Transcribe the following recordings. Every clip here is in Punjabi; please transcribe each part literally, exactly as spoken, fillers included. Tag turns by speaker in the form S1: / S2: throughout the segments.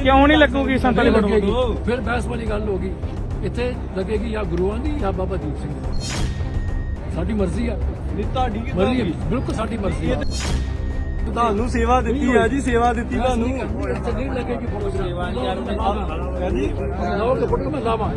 S1: ਕਿਉਂ ਨਹੀਂ ਲੱਗੂਗੀ ਸੰਤਾਂ ਦੀ ਫੋਟੋ?
S2: ਫਿਰ ਬਹਿਸ ਵਾਲੀ ਗੱਲ ਹੋ ਗਈ। ਇੱਥੇ ਲੱਗੇਗੀ ਜਾਂ ਗੁਰੂਆਂ ਦੀ ਜਾਂ ਬਾਬਾ ਦੀਪ ਸਿੰਘ ਦੀ। ਸਾਡੀ ਮਰਜ਼ੀ ਆ,
S3: ਤੁਹਾਡੀ
S2: ਮਰਜ਼ੀ ਬਿਲਕੁਲ ਸਾਡੀ ਮਰਜ਼ੀ ਆ।
S3: ਤੁਹਾਨੂੰ ਸੇਵਾ ਦਿੱਤੀ ਆ ਜੀ, ਸੇਵਾ ਦਿੱਤੀ ਤੁਹਾਨੂੰ।
S2: ਇੱਥੇ ਨਹੀਂ ਲੱਗੇਗੀ ਫੋਟੋ। ਸੇਵਾ ਯਾਰ ਕਹਿੰਦੀ ਲਾਓ ਕਿ ਫੋਟੋ ਮੈਂ ਲਾਵਾਂ।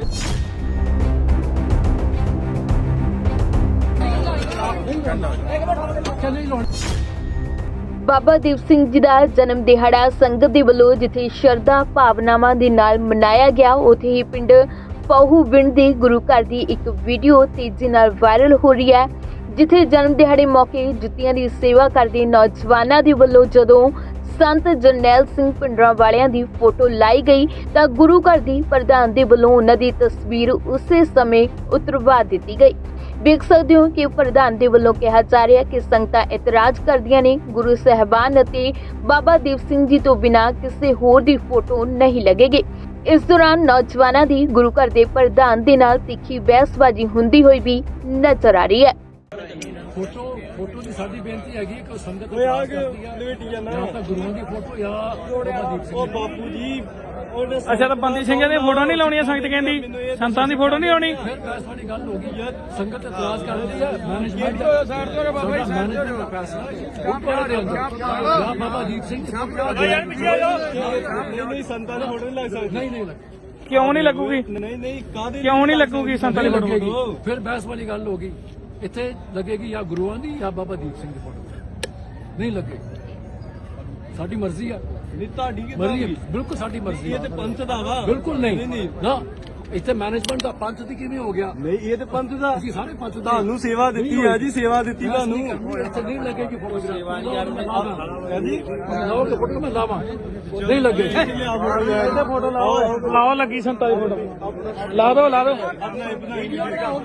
S2: ਨਹੀਂ ਲਾਉਣ।
S4: ਬਾਬਾ ਦੀਪ ਸਿੰਘ ਜੀ ਦਾ ਜਨਮ ਦਿਹਾੜਾ ਸੰਗਤ ਦੇ ਵੱਲੋਂ ਜਿੱਥੇ ਸ਼ਰਧਾ ਭਾਵਨਾਵਾਂ ਦੇ ਨਾਲ ਮਨਾਇਆ ਗਿਆ, ਉੱਥੇ ਹੀ ਪਿੰਡ ਪਹੂਵਿੰਡ ਦੇ ਗੁਰੂ ਘਰ ਦੀ ਇੱਕ ਵੀਡੀਓ ਤੇਜ਼ੀ ਨਾਲ ਵਾਇਰਲ ਹੋ ਰਹੀ ਹੈ, ਜਿੱਥੇ ਜਨਮ ਦਿਹਾੜੇ ਮੌਕੇ ਜੁੱਤੀਆਂ ਦੀ ਸੇਵਾ ਕਰਦੇ ਨੌਜਵਾਨਾਂ ਦੇ ਵੱਲੋਂ ਜਦੋਂ ਸੰਤ ਜਰਨੈਲ ਸਿੰਘ ਪਿੰਡਰਾਂ ਵਾਲਿਆਂ ਦੀ ਫੋਟੋ ਲਾਈ ਗਈ ਤਾਂ ਗੁਰੂ ਘਰ ਦੀ ਪ੍ਰਧਾਨ ਦੇ ਵੱਲੋਂ ਉਹਨਾਂ ਦੀ ਤਸਵੀਰ ਉਸੇ ਸਮੇਂ ਉਤਰਵਾ ਦਿੱਤੀ ਗਈ। ਵੇਖ ਸਕਦੇ ਹੋ ਕਿ ਪ੍ਰਧਾਨ ਦੇ ਵੱਲੋਂ ਕਿਹਾ ਜਾ ਰਿਹਾ ਕਿ ਸੰਗਤਾਂ ਇਤਰਾਜ਼ ਕਰਦੀਆਂ ਨੇ, ਗੁਰੂ ਸਾਹਿਬਾਨ ਅਤੇ ਬਾਬਾ ਦੀਪ ਸਿੰਘ ਜੀ ਤੋਂ ਬਿਨਾਂ ਕਿਸੇ ਹੋਰ ਦੀ ਫੋਟੋ ਨਹੀਂ ਲੱਗੇਗੀ। ਇਸ ਦੌਰਾਨ ਨੌਜਵਾਨਾਂ ਦੀ ਗੁਰੂ ਘਰ ਦੇ ਪ੍ਰਧਾਨ ਦੇ ਨਾਲ ਤਿੱਖੀ ਬਹਿਸਬਾਜ਼ੀ ਹੁੰਦੀ ਹੋਈ ਵੀ ਨਜ਼ਰ ਆ ਰਹੀ ਹੈ।
S2: ਫੋਟੋ ਫੋਟੋ ਦੀ ਸਾਡੀ ਬੇਨਤੀ ਹੈਗੀ ਕਿ ਸੰਗਤ
S3: ਓਏ ਆ ਕੇ ਲਵੇਟੀ ਜਾਣਾ
S2: ਜਾਂ ਤਾਂ ਗੁਰੂਆਂ ਦੀ ਫੋਟੋ ਜਾਂ ਬਾਬਾ ਦੀਪ ਸਿੰਘ
S3: ਉਹ ਬਾਪੂ ਜੀ ਉਹਨੇ
S1: ਅੱਛਾ, ਤਾਂ ਬੰਦੀ ਸਿੰਘਾਂ ਦੀ ਫੋਟੋ ਨਹੀਂ ਲਾਉਣੀ, ਸੰਗਤ ਕਹਿੰਦੀ ਸੰਤਾਂ ਦੀ ਫੋਟੋ ਨਹੀਂ ਲਾਉਣੀ।
S2: ਫਿਰ ਬਹਿਸ ਵਾਲੀ ਗੱਲ ਹੋ ਗਈ। ਸੰਗਤ ਇਤਰਾਜ਼ ਕਰਦੀ ਹੈ। ਮੈਨੇਜਮੈਂਟ ਦਾ ਮੈਨੇਜਮੈਂਟ ਦਾ ਫੈਸਲਾ ਉਹ ਪੜਾ ਦੇ ਜਾਂ ਬਾਬਾ ਦੀਪ ਸਿੰਘ
S3: ਨਹੀਂ ਸੰਤਾਂ ਦੀ ਫੋਟੋ ਨਹੀਂ ਲੱਗ ਸਕਦੀ।
S2: ਨਹੀਂ ਨਹੀਂ
S1: ਕਿਉਂ ਨਹੀਂ ਲੱਗੂਗੀ?
S3: ਨਹੀਂ ਨਹੀਂ ਕਾਹਦੇ
S1: ਕਿਉਂ ਨਹੀਂ ਲੱਗੂਗੀ ਸੰਤਾਂ ਦੀ ਫੋਟੋ?
S2: ਫਿਰ ਬਹਿਸ ਵਾਲੀ ਗੱਲ ਹੋ ਗਈ। ਇੱਥੇ ਲੱਗੇਗੀ ਜਾਂ ਗੁਰੂਆਂ ਦੀ ਜਾਂ ਬਾਬਾ ਦੀਪ ਸਿੰਘ ਦੀ ਫੋਟੋ। ਨਹੀਂ ਲੱਗੇਗੀ, ਸਾਡੀ ਮਰਜ਼ੀ ਆ,
S3: ਨਹੀਂ ਤੁਹਾਡੀ
S2: ਮਰਜ਼ੀ ਬਿਲਕੁਲ ਸਾਡੀ ਮਰਜ਼ੀ ਆ।
S3: ਇਹ ਤੇ ਪੰਥ ਦਾ ਵਾ।
S2: ਬਿਲਕੁਲ ਨਹੀਂ
S3: ਨਹੀਂ
S2: ਨਾ, ਇੱਥੇ ਮੈਨੇਜਮੈਂਟ ਦਾ ਪੰਥ ਦੀ ਕਿਵੇਂ ਹੋ ਗਿਆ?
S3: ਨਹੀਂ ਇਹ ਤੇ ਪੰਥ ਦਾ।
S2: ਅਸੀਂ ਸਾਰੇ ਪੰਥ ਦੇ
S3: ਤੁਹਾਨੂੰ ਸੇਵਾ ਦਿੱਤੀ ਆ ਜੀ, ਸੇਵਾ ਦਿੱਤੀ ਤੁਹਾਨੂੰ।
S2: ਇੱਥੇ ਨਹੀਂ ਲੱਗੇਗੀ ਫੋਟੋ। ਸੇਵਾ ਯਾਰ
S3: ਕਹਿੰਦੀ
S2: ਲਾਓ ਕਿ ਫੋਟੋ ਮੈਂ ਲਾਵਾਂ। ਨਹੀਂ ਲੱਗੇਗੀ।
S3: ਇਹਦੇ ਫੋਟੋ ਲਾਓ।
S1: ਲਾਓ ਲੱਗੀ ਸੰਤਾਂ ਦੀ ਫੋਟੋ, ਲਾ ਦੋ ਲਾ ਦੋ
S3: ਆਪਣਾ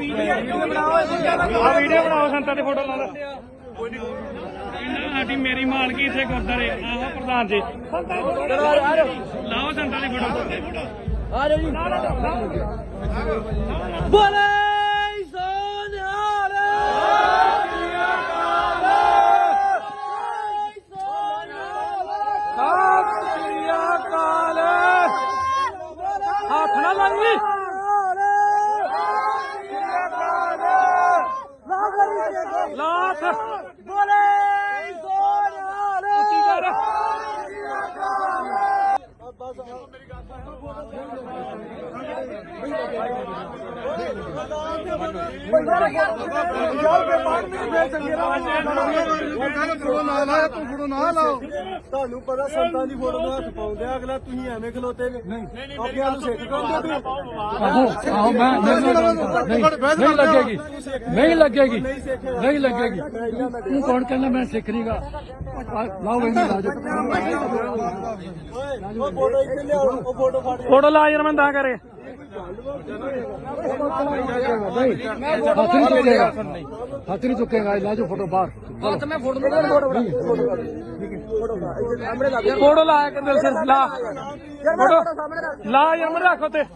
S1: ਆ ਵੀਡੀਓ ਬਣਾਓ, ਸੰਤਾਂ ਦੀ ਫੋਟੋ ਲਾ ਦੋ। ਸਾਡੀ ਮੇਰੀ ਮਾਲਕੀ ਇੱਥੇ ਗੁਰਦਾਰੇ ਆਹ ਪ੍ਰਧਾਨ ਜੀ ਲਾਓ ਸੰਤਾਂ ਦੀ ਫੋਟੋ।
S2: ਆ ਜਾਓ ਜੀ।
S3: ਬੋਲੇ ਸੋਨਿਹਾਲ
S1: ਸਤਿ ਸ੍ਰੀ ਅਕਾਲ। ਹੱਥ ਨਾ ਲਾਈ। ਲਾਥ
S3: ਬੋਲੇ ਸੋਨਿਹਾਲ
S1: ਉੱਚੀ ਕਰ।
S3: ਤੁਹਾਨੂੰ ਪਤਾ ਸੰਤਾਂ ਦੀ ਫੋਟੋ ਨੂੰ ਹੱਥ ਪਾਉਂਦੇ ਆ, ਅਗਲਾ ਤੁਸੀਂ ਐਵੇਂ ਖਲੋਤੇ ਨੇ। ਆਪਣੇ ਆਪ ਨੂੰ ਸਿੱਖ ਕਰਦੇ ਤੁਸੀਂ।
S2: ਆਹੋ ਮੈਂ ਨਹੀਂ ਲੱਗੇਗੀ, ਨਹੀਂ ਲੱਗੇਗੀ, ਨਹੀਂ ਲੱਗੇਗੀ। ਤੂੰ ਕੌਣ ਕਹਿੰਦਾ ਮੈਂ ਸਿੱਖ ਨਹੀਂਗਾ? ਲਾਓ ਇਹਨੂੰ ਲਾ ਜਾਓ।
S3: ਉਹ ਫੋਟੋ ਇੱਥੇ ਲਿਆਓ, ਉਹ ਫੋਟੋ ਫੜ
S1: ਫੋਟੋ ਲਾ ਯਾਰ, ਮੈਂ ਤਾਂ ਕਰੇ
S2: ਹੱਥ ਨਹੀਂ ਚੁੱਕੇਗਾ, ਹੱਥ ਨਹੀਂ ਚੁੱਕੇਗਾ। ਲਾ ਜਾਓ ਫੋਟੋ ਬਾਹਰ। ਮੈਂ ਫੋਟੋ
S1: ਫੋਟੋ ਲਾ ਕੇ ਦਿਲ ਸਿਰ ਲਾ ਫੋਟੋ ਲਾ ਯਾਰ, ਮੈਂ ਰੱਖ ਉੱਤੇ।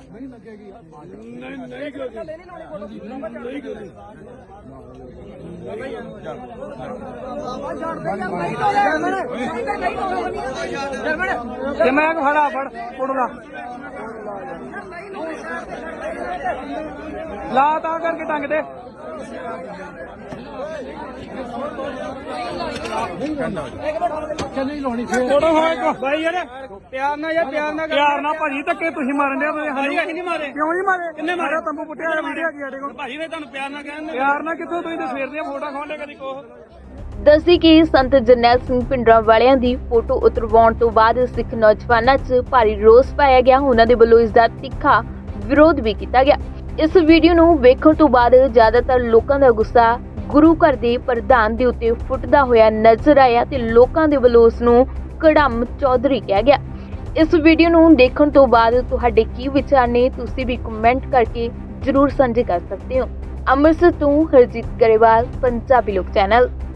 S1: ਤੇ ਮੈਂ ਖੜਾ ਫੜ ਫੋਟੋ ਲਾ ਲਾ ਤਾਂ ਕਰਕੇ ਟੰਗ ਦੇ।
S2: ਨਹੀਂ ਲਾਉਣੀ ਫੇਰ
S1: ਫੋਟੋ ਹੋਏ ਬਾਈ ਯਾਰ, ਪਿਆਰ ਨਾਲ ਯਾਰ, ਪਿਆਰ ਨਾਲ ਪਿਆਰ ਨਾਲ ਭਾਜੀ ਧੱਕੇ ਤੁਸੀਂ ਮਾਰਨ ਦੇ ਭਾਜੀ। ਅਸੀਂ ਨਹੀਂ ਮਾਰੇ। ਕਿਉਂ ਨਹੀਂ ਮਾਰੇ? ਕਿੰਨੇ ਮਾਰਿਆ? ਤੰਬੂ ਪੁੱਟਿਆ ਵੀਡੀਓ ਕੀ ਸਾਡੇ ਕੋਲ ਭਾਜੀ। ਵੇ ਤੁਹਾਨੂੰ ਪਿਆਰ ਨਾਲ ਕਹਿੰਦੇ, ਪਿਆਰ ਨਾਲ ਕਿੱਥੋਂ? ਤੁਸੀਂ ਤਾਂ ਸਵੇਰ ਦੀਆਂ ਫੋਟੋ ਖਾਉਂਦੇ ਕਦੀ ਕੋਹ।
S4: ਦੱਸੀ ਕਿ ਸੰਤ ਜਰਨੈਲ ਸਿੰਘ ਪਿੰਡਰਾਂ ਵਾਲਿਆਂ ਦੀ ਫੋਟੋ ਉਤਰਵਾਉਣ ਤੋਂ ਬਾਅਦ ਸਿੱਖ ਨੌਜਵਾਨਾਂ 'ਚ ਭਾਰੀ ਰੋਸ ਪਾਇਆ ਗਿਆ। ਉਹਨਾਂ ਦੇ ਵੱਲੋਂ ਇਸ ਦਾ ਤਿੱਖਾ ਵਿਰੋਧ ਵੀ ਕੀਤਾ ਗਿਆ। ਇਸ ਵੀਡੀਓ ਨੂੰ ਵੇਖਣ ਤੋਂ ਬਾਅਦ ਜ਼ਿਆਦਾਤਰ ਲੋਕਾਂ ਦਾ ਗੁੱਸਾ ਗੁਰੂ ਘਰ ਦੇ ਪ੍ਰਧਾਨ ਦੇ ਉੱਤੇ ਫੁੱਟਦਾ ਹੋਇਆ ਨਜ਼ਰ ਆਇਆ ਤੇ ਲੋਕਾਂ ਦੇ ਵੱਲੋਂ ਉਸ ਨੂੰ ਕੜਮ ਚੌਧਰੀ ਕਿਹਾ ਗਿਆ। ਇਸ ਵੀਡੀਓ ਨੂੰ ਦੇਖਣ ਤੋਂ ਬਾਅਦ ਤੁਹਾਡੇ ਕੀ ਵਿਚਾਰ ਨੇ? ਤੁਸੀਂ ਵੀ ਕਮੈਂਟ ਕਰਕੇ ਜ਼ਰੂਰ ਸਾਂਝੇ ਕਰ ਸਕਦੇ ਹੋ। ਅੰਮ੍ਰਿਤਸਰ ਤੋਂ ਹਰਜੀਤ ਗਰੇਵਾਲ, ਪੰਜਾਬੀ ਲੋਕ ਚੈਨਲ।